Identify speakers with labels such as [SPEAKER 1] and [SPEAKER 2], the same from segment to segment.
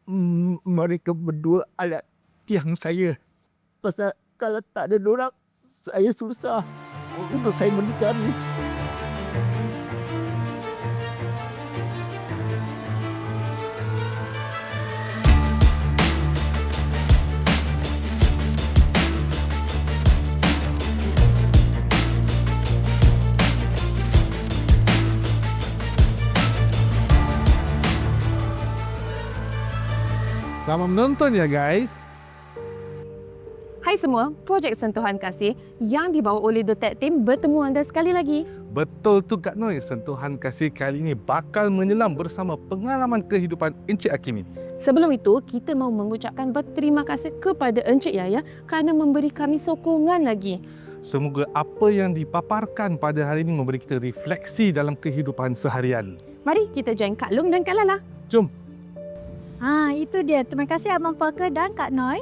[SPEAKER 1] Mereka berdua alat tiang saya. Pasal kalau tak ada dorang, saya susah untuk saya menikah ni.
[SPEAKER 2] Selamat menonton ya guys.
[SPEAKER 3] Hai semua, projek Sentuhan Kasih yang dibawa oleh The Tech Team bertemu anda sekali lagi.
[SPEAKER 2] Betul tu Kak Noi, Sentuhan Kasih kali ini bakal menyelam bersama pengalaman kehidupan Encik Hakimin.
[SPEAKER 3] Sebelum itu, kita mahu mengucapkan berterima kasih kepada Encik Yaya kerana memberi kami sokongan lagi.
[SPEAKER 2] Semoga apa yang dipaparkan pada hari ini memberi kita refleksi dalam kehidupan seharian.
[SPEAKER 3] Mari kita join Kak Long dan Kak Lala.
[SPEAKER 2] Jom.
[SPEAKER 4] Itu dia. Terima kasih Abang Parker dan Kak Noi.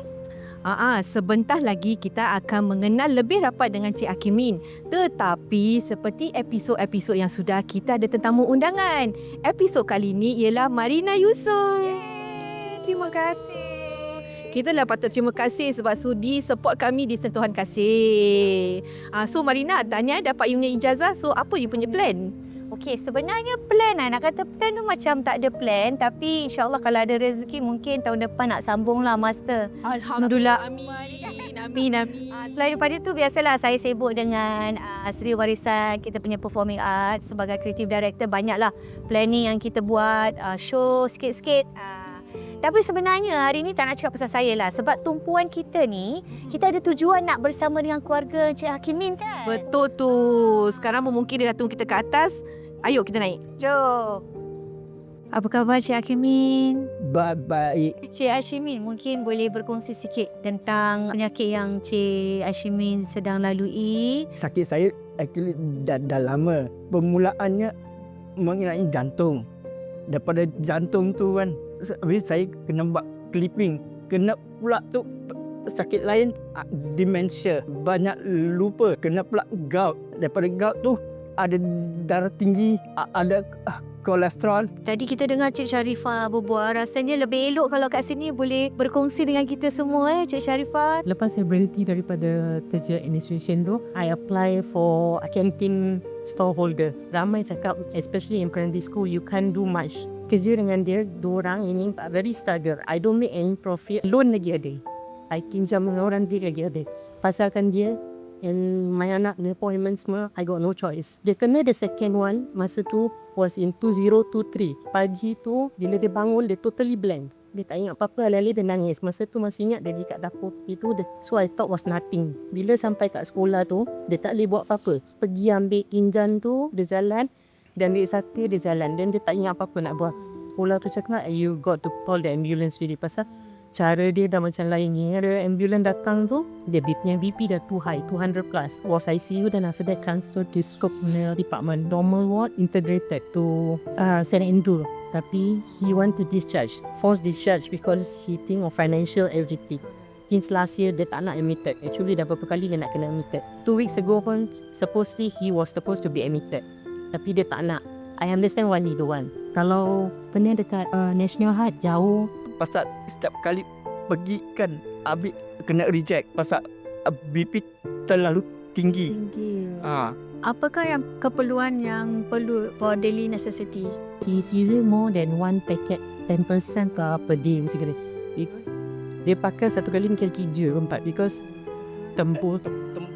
[SPEAKER 5] Sebentar lagi kita akan mengenal lebih rapat dengan Cik Hakimin. Tetapi seperti episod-episod yang sudah, kita ada tetamu undangan. Episod kali ini ialah Marina Yusof. Terima kasih. Kita lah patut terima kasih sebab sudi support kami di Sentuhan Kasih. So Marina, tanya dapat you punya ijazah. So apa you punya plan?
[SPEAKER 4] Okey, sebenarnya plan nak kata plan tu macam tak ada plan, tapi insyaAllah kalau ada rezeki mungkin tahun depan nak sambung lah master.
[SPEAKER 5] Alhamdulillah. Amin. Amin.
[SPEAKER 4] Selain daripada tu, biasalah saya sibuk dengan Seri Warisan, kita punya performing art sebagai creative director. Banyaklah planning yang kita buat, show sikit-sikit. Tapi sebenarnya hari ni tak nak cakap pasal saya lah. Sebab tumpuan kita ni, kita ada tujuan nak bersama dengan keluarga Encik Hakimin kan?
[SPEAKER 5] Betul tu. Sekarang mungkin dia dah tunggu kita ke atas. Ayo kita naik.
[SPEAKER 4] Jom. Apa khabar Cik Hakimin?
[SPEAKER 1] Baik.
[SPEAKER 4] Cik Hakimin mungkin boleh berkongsi sikit tentang penyakit yang Cik Hakimin sedang lalui.
[SPEAKER 1] Sakit saya actually dah lama. Permulaannya mengenai jantung. Daripada jantung tu kan, habis saya kena buat clipping. Kena pula tu sakit lain, dementia. Banyak lupa. Kena pula gout. Daripada gout tu ada darah tinggi, ada kolesterol.
[SPEAKER 4] Tadi kita dengar Cik Sharifah berbual. Rasanya lebih elok kalau kat sini boleh berkongsi dengan kita semua Cik Sharifah.
[SPEAKER 6] Lepas saya berhenti daripada kerja administration tu, I apply for a canteen storeholder. Ramai cakap, especially in primary school, you can't do much. Kerja dengan dia, diorang ini very struggle. I don't make any profit. Loan lagi ada. I pinjam dengan orang dia lagi ada. Pasalkan dia, and my anak ni appointment semua, I got no choice. Dia kena the second one, masa tu was in 2023. Pagi tu, bila dia bangun, dia totally blank. Dia tak ingat apa-apa, alih-alih dia nangis. Masa tu masih ingat dia dekat dapur itu. So I thought was nothing. Bila sampai kat sekolah tu, dia tak boleh buat apa-apa. Pergi ambil kinjan tu, dia jalan. Dan ambil sate, dia jalan. Dan dia tak ingat apa-apa nak buat. Sekolah tu cakap, you got to call the ambulance really. Pasal cara dia dah macam lain ni. Ada ambulans datang tu, dia BP dah too high, 200 plus. Was ICU, then after that transfer to scope department. Normal ward, integrated to St. Andrew. Tapi he want to discharge, forced discharge because he think of financial everything. Since last year, dia tak nak admitted. Actually, dah berapa kali dia nak kena admitted. 2 weeks ago pun, supposedly he was supposed to be admitted. Tapi dia tak nak. I understand why he don't want. Kalau pernah dekat National Heart, jauh.
[SPEAKER 1] Pasal setiap kali pergi kan, habis kena reject. Pasal BP terlalu tinggi.
[SPEAKER 4] Apakah yang keperluan yang perlu for daily necessity?
[SPEAKER 6] He's using more than one packet 10% per day basically. Because dia pakai satu kali mungkin 3-4 because tembus.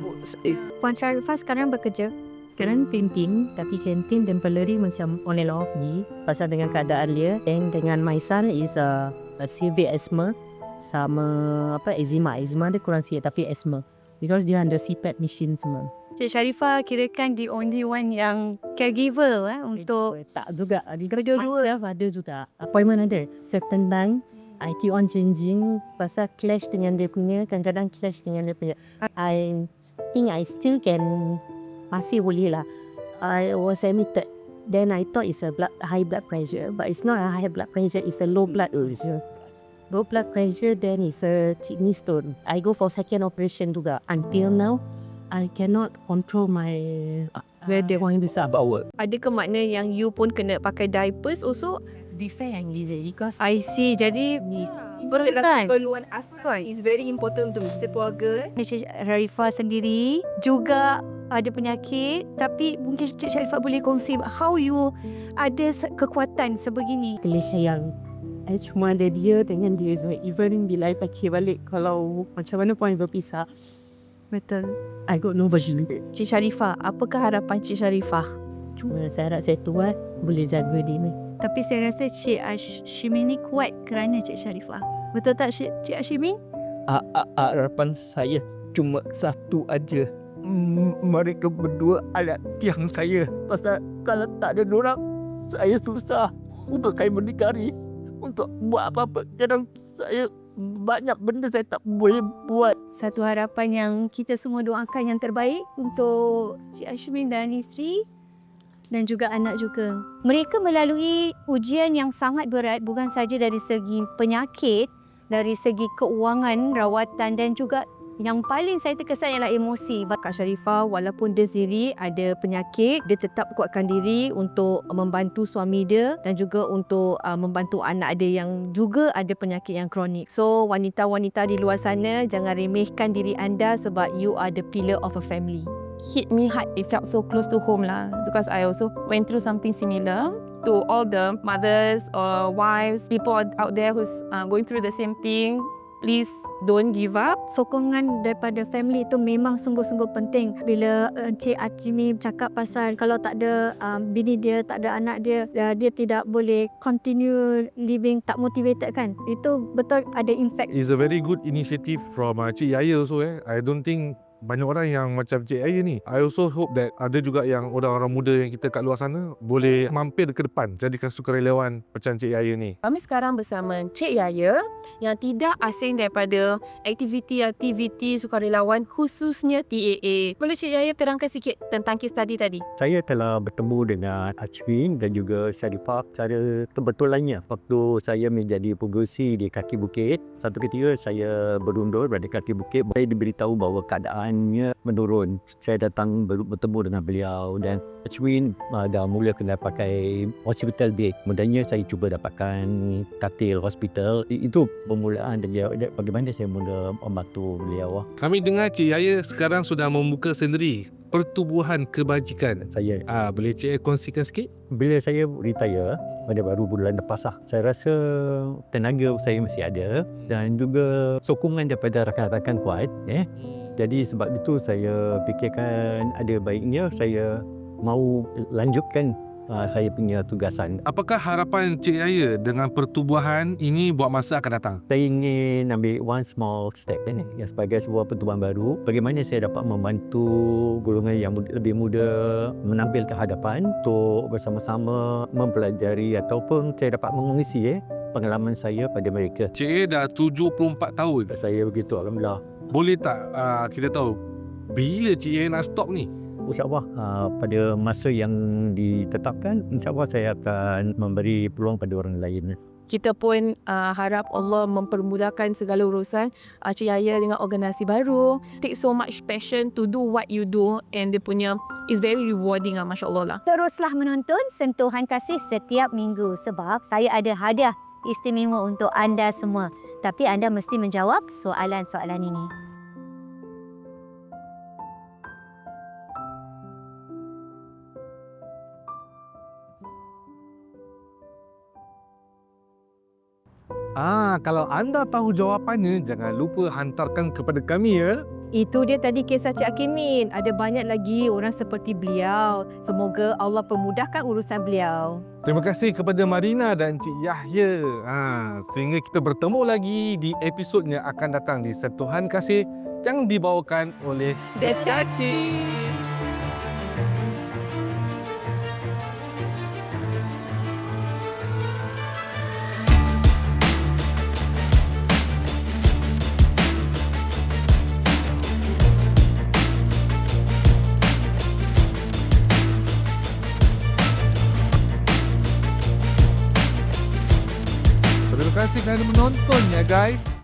[SPEAKER 4] Puan Sharifah sekarang bekerja.
[SPEAKER 6] Sekarang painting, tapi kantin dan pelari macam on and off je. Pasal dengan keadaan dia. And dengan my son is a severe asthma. Sama eczema. Eczema dia kurang sikit tapi asthma. Because dia under CPAP machine semua.
[SPEAKER 4] Cik Sharifah kirakan the only one yang caregiver untuk
[SPEAKER 6] tak juga. Kedua-dua ada juga. Appointment ada. Certain time, I keep on changing. Pasal clash dengan dia punya. Kadang-kadang clash dengan dia punya. I think I still can, masih boleh lah. I was admitted. Then I thought it's a high blood pressure. But it's not a high blood pressure. It's a low blood pressure. Low blood pressure, then it's a kidney stone. I go for second operation juga. Until now, I cannot control my where they want to start.
[SPEAKER 5] Adakah makna yang you pun kena pakai diapers also?
[SPEAKER 3] be fair and easy because
[SPEAKER 5] I see. Jadi
[SPEAKER 3] keperluan asal is very important to sekeluarga.
[SPEAKER 4] Cik Sharifah sendiri juga ada penyakit, tapi mungkin Cik Sharifah boleh kongsi how you ada kekuatan sebegini.
[SPEAKER 6] Kelisa yang cuma ada dia dengan dia semua. Even bila I pakcik balik, kalau macam mana pun I berpisah,
[SPEAKER 5] betul.
[SPEAKER 6] I got nobody.
[SPEAKER 5] Cik Sharifah, apakah harapan Cik Sharifah?
[SPEAKER 6] Cuma saya harap saya tua boleh jaga dia ni.
[SPEAKER 4] Tapi saya rasa Cik Hashimin ni kuat kerana Cik Sharifah. Betul tak Cik Hashimin?
[SPEAKER 1] Harapan saya cuma satu aja. Mereka berdua anak tiang saya. Pasal kalau tak ada dorang, saya susah untuk saya berdikari. Untuk buat apa-apa. Kadang saya banyak benda saya tak boleh buat.
[SPEAKER 4] Satu harapan yang kita semua doakan yang terbaik untuk Cik Hashimin dan isteri dan juga anak juga. Mereka melalui ujian yang sangat berat, bukan saja dari segi penyakit, dari segi keuangan, rawatan dan juga yang paling saya terkesan ialah emosi.
[SPEAKER 5] Kak Sharifah walaupun dia sendiri ada penyakit, dia tetap kuatkan diri untuk membantu suami dia dan juga untuk membantu anak dia yang juga ada penyakit yang kronik. So wanita-wanita di luar sana, jangan remehkan diri anda sebab you are the pillar of a family.
[SPEAKER 3] Hit me hard. It felt so close to home lah because I also went through something similar. To all the mothers or wives, people out there who's going through the same thing, please don't give up.
[SPEAKER 7] Sokongan daripada family itu memang sungguh-sungguh penting. Bila Encik Hashimin cakap pasal kalau tak ada bini dia, tak ada anak dia, dia tidak boleh continue living, tak motivated kan. Itu betul ada impact.
[SPEAKER 2] It's a very good initiative from Cik Yaya also. I don't think banyak orang yang macam Cik Yaya ni. I also hope that ada juga yang orang-orang muda yang kita kat luar sana boleh mampir ke depan, jadikan sukarelawan macam Cik Yaya ni.
[SPEAKER 3] Kami sekarang bersama Cik Yaya yang tidak asing daripada aktiviti-aktiviti sukarelawan khususnya TAA. Boleh Cik Yaya terangkan sikit tentang case study tadi?
[SPEAKER 8] Saya telah bertemu dengan Hashimin dan juga Sharifah secara kebetulannya waktu saya menjadi pengerusi di kaki bukit. Satu ketika saya berundur pada kaki bukit, saya diberitahu bahawa keadaannya menurun. Saya datang bertemu dengan beliau dan Hashimin dah mula kena pakai hospital bed. Kemudiannya saya cuba dapatkan katil hospital. Itu permulaan beliau. Bagaimana saya mula membantu beliau.
[SPEAKER 2] Kami dengar Cik Yaya sekarang sudah membuka sendiri pertubuhan kebajikan.
[SPEAKER 8] Saya
[SPEAKER 2] Boleh Cik Yaya kongsikan sikit?
[SPEAKER 8] bila saya retire pada baru bulan lepas saya rasa tenaga saya masih ada dan juga sokongan daripada rakan-rakan kuat. Jadi sebab itu saya fikirkan ada baiknya saya mau lanjutkan saya punya tugasan.
[SPEAKER 2] Apakah harapan Cik Yaya dengan pertubuhan ini buat masa akan datang?
[SPEAKER 8] Saya ingin ambil one small step yang sebagai sebuah pertubuhan baru. Bagaimana saya dapat membantu golongan yang lebih muda menampil ke hadapan untuk bersama-sama mempelajari ataupun saya dapat mengongsi pengalaman saya pada mereka.
[SPEAKER 2] Cik Yaya dah 74 tahun.
[SPEAKER 8] Saya begitu, alhamdulillah.
[SPEAKER 2] Boleh tak kita tahu bila Cik Yaya nak stop ni?
[SPEAKER 8] InsyaAllah pada masa yang ditetapkan, insyaAllah saya akan memberi peluang pada orang lain.
[SPEAKER 3] Kita pun harap Allah mempermudahkan segala urusan Cik Yaya dengan organisasi baru. Take so much passion to do what you do and dia punya is very rewarding Masya Allah lah.
[SPEAKER 4] Teruslah menonton Sentuhan Kasih setiap minggu sebab saya ada hadiah istimewa untuk anda semua. Tapi anda mesti menjawab soalan-soalan ini.
[SPEAKER 2] Kalau anda tahu jawapannya, jangan lupa hantarkan kepada kami ya.
[SPEAKER 5] Itu dia tadi kisah Cik Hakimin. Ada banyak lagi orang seperti beliau. Semoga Allah permudahkan urusan beliau.
[SPEAKER 2] Terima kasih kepada Marina dan Cik Yahya. Sehingga kita bertemu lagi di episod yang akan datang di Sentuhan Kasih yang dibawakan oleh Detektif. Terima kasih kerana menonton ya guys.